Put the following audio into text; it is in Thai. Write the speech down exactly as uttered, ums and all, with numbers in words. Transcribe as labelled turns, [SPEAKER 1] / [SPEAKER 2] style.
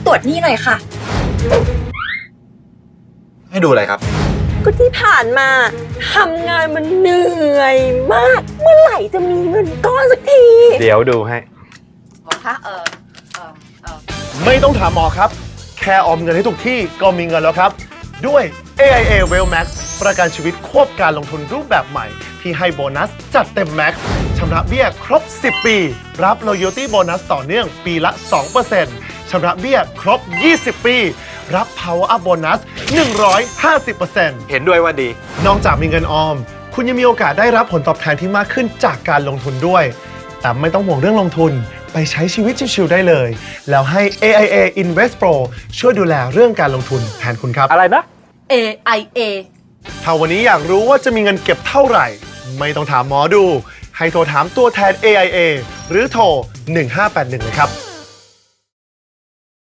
[SPEAKER 1] ตรวจหนี้หน่อยค่ะ
[SPEAKER 2] ให้ดูอะไรครับ
[SPEAKER 3] ก็ที่ผ่านมาทำงานมันเหนื่อยมาก เมื่อไหร่จะมีเงินก้อนสักที
[SPEAKER 4] เดี๋ยวดูให้
[SPEAKER 1] หมอคะเออเออเออ
[SPEAKER 5] ไม่ต้องถามหมอครับ แค่ออมเงินให้ทุกที่ก็มีเงินแล้วครับ ด้วย เอ ไอ เอ Wealth Max ประกันชีวิตควบการลงทุนรูปแบบใหม่ ที่ให้โบนัสจัดเต็มแม็กซ์ชำระเบี้ยครบ สิบ ปี รับ Loyalty Bonus ต่อเนื่องปีละ สองเปอร์เซ็นต์ ชำระเบี้ยครบ ยี่สิบ ปี รับ Power Up Bonus หนึ่งร้อยห้าสิบเปอร์เซ็นต์
[SPEAKER 4] เห็นด้วยว่าดี
[SPEAKER 5] นอกจากมีเงินออม คุณยังมีโอกาสได้รับผลตอบแทนที่มากขึ้นจากการลงทุนด้วย แต่ไม่ต้องห่วงเรื่องลงทุน ไปใช้ชีวิตชิวๆได้เลย แล้วให้ เอ ไอ เอ Invest Pro ช่วยดูแลเรื่องการลงทุนแทนคุณครับ
[SPEAKER 4] อะไรนะ
[SPEAKER 1] เอไอเอ
[SPEAKER 5] ถ้าวันนี้อยากรู้ว่าจะมีเงินเก็บเท่าไหร่ ไม่ต้องถามหมอดู ให้โทรถามตัวแทน เอ ไอ เอ หรือโทร หนึ่งห้าแปดหนึ่งเลยครับ